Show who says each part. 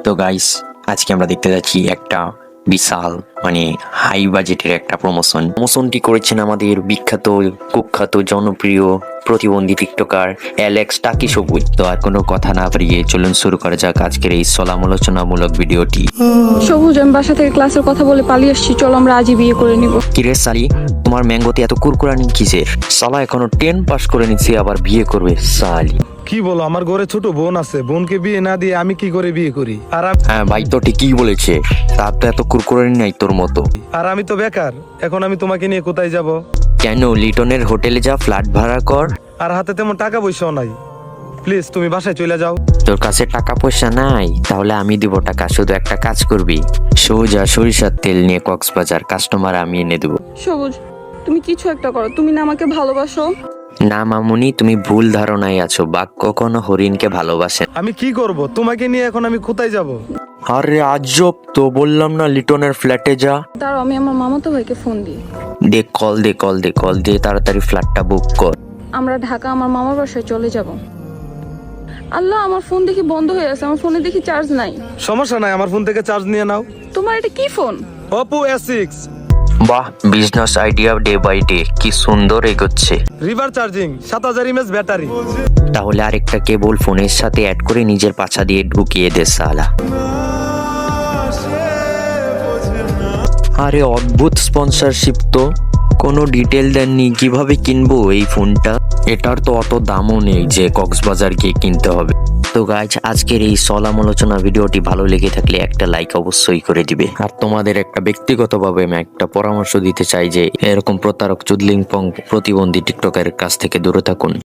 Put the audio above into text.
Speaker 1: তো গাইস, আজকে আমরা দেখতে যাচ্ছি একটা বিশাল হাই বাজেটের একটা প্রমোশনটি করেছেন আমাদের বিখ্যাত কুখ্যাত জনপ্রিয় প্রতিবন্ধী টিকটকার অ্যালেক্স টাকি সবুজ। তো আর কোনো কথা না বাড়িয়ে চলুন শুরু করা যাক আজকের এই সমালোচনামূলক ভিডিওটি।
Speaker 2: সবুজ, আমি বাসা থেকে ক্লাসের কথা বলে পালিয়ে আসছি, চলো আমরা আজই বিয়ে করে নিব।
Speaker 1: কিরে সালি, তোমার ম্যাঙ্গোতে এত কুরকুরানি কিসের? সালা এখনো 10 পাস করে নিচ্ছে, আবার বিয়ে করবে সালি।
Speaker 3: কি বলো, আমার ঘরে ছোট বোন আছে, বোনকে বিয়ে না দিয়ে আমি কি করে বিয়ে করি?
Speaker 1: হ্যাঁ ভাই, তো ঠিকই বলেছে, তার তো এত কুরকুরানি নাই তোর মতো।
Speaker 3: আর আমি তো বেকার, এখন আমি তোমাকে নিয়ে কোথায় যাব?
Speaker 1: কেন, লিটনের হোটেলে যা, ফ্ল্যাট ভাড়া কর।
Speaker 3: আর হাতে তেমন টাকা পয়সাও নাই, প্লিজ তুমি বাসায় চলে যাও।
Speaker 1: তোর কাছে টাকা পয়সা নাই? তাহলে আমি দিব টাকা, শুধু একটা কাজ করবি, সোজা সরিষার তেল নিয়ে কক্সবাজার, কাস্টমার আমি এনে দেবো।
Speaker 2: সবুজ, তুমি কিছু একটা করো, তুমি না আমাকে ভালোবাসো?
Speaker 1: না মামুনি, তুমি ভুল ধারণায় আছো, বাঘ কখনো হরিণকে ভালোবাসে না।
Speaker 3: আমি কি করব? তোমাকে নিয়ে এখন আমি কোথায় যাব?
Speaker 1: আরে আজব তো, বললাম না লিটনের ফ্ল্যাটে যা।
Speaker 2: দাঁড়াও, আমি আমার মামাতো ভাইকে ফোন দিই।
Speaker 1: কল দে তাড়াতাড়ি, ফ্ল্যাটটা বুক কর।
Speaker 2: আমরা ঢাকা আমার মামার বাসায় চলে যাব। আল্লাহ, আমার ফোন দেখি বন্ধ হয়ে আছে, আমার ফোনে দেখি চার্জ নাই।
Speaker 3: সমস্যা নাই, আমার ফোন থেকে চার্জ নিয়ে নাও।
Speaker 2: তোমার এটা কি ফোন?
Speaker 3: Oppo S6
Speaker 1: বাহ, business idea day by day কি সুন্দর এগোচ্ছে।
Speaker 3: Reverse charging, 7000 mAh battery.
Speaker 1: তাহলে আরেকটা কেবল ফোনের সাথে অ্যাড করে নিজের পাছা দিয়ে ঢুকিয়ে দে সালা। আরে অদ্ভুত স্পন্সরশিপ তো, কোনো ডিটেল দেননি, কিভাবে কিনবো এই ফোনটা? এটার তো অত দামও নেই যে কক্সবাজার গিয়ে কিনতে হবে। তো গাইজ, আজকের এই সমালোচনা ভিডিওটি ভালো লেগে থাকলে একটা লাইক অবশ্যই করে দিবে। আর তোমাদের একটা ব্যক্তিগতভাবে আমি একটা পরামর্শ দিতে চাই যে এরকম প্রতারক চুদলিংপং প্রতিবন্ধী টিকটকের কাছ থেকে দূরে থাকুন।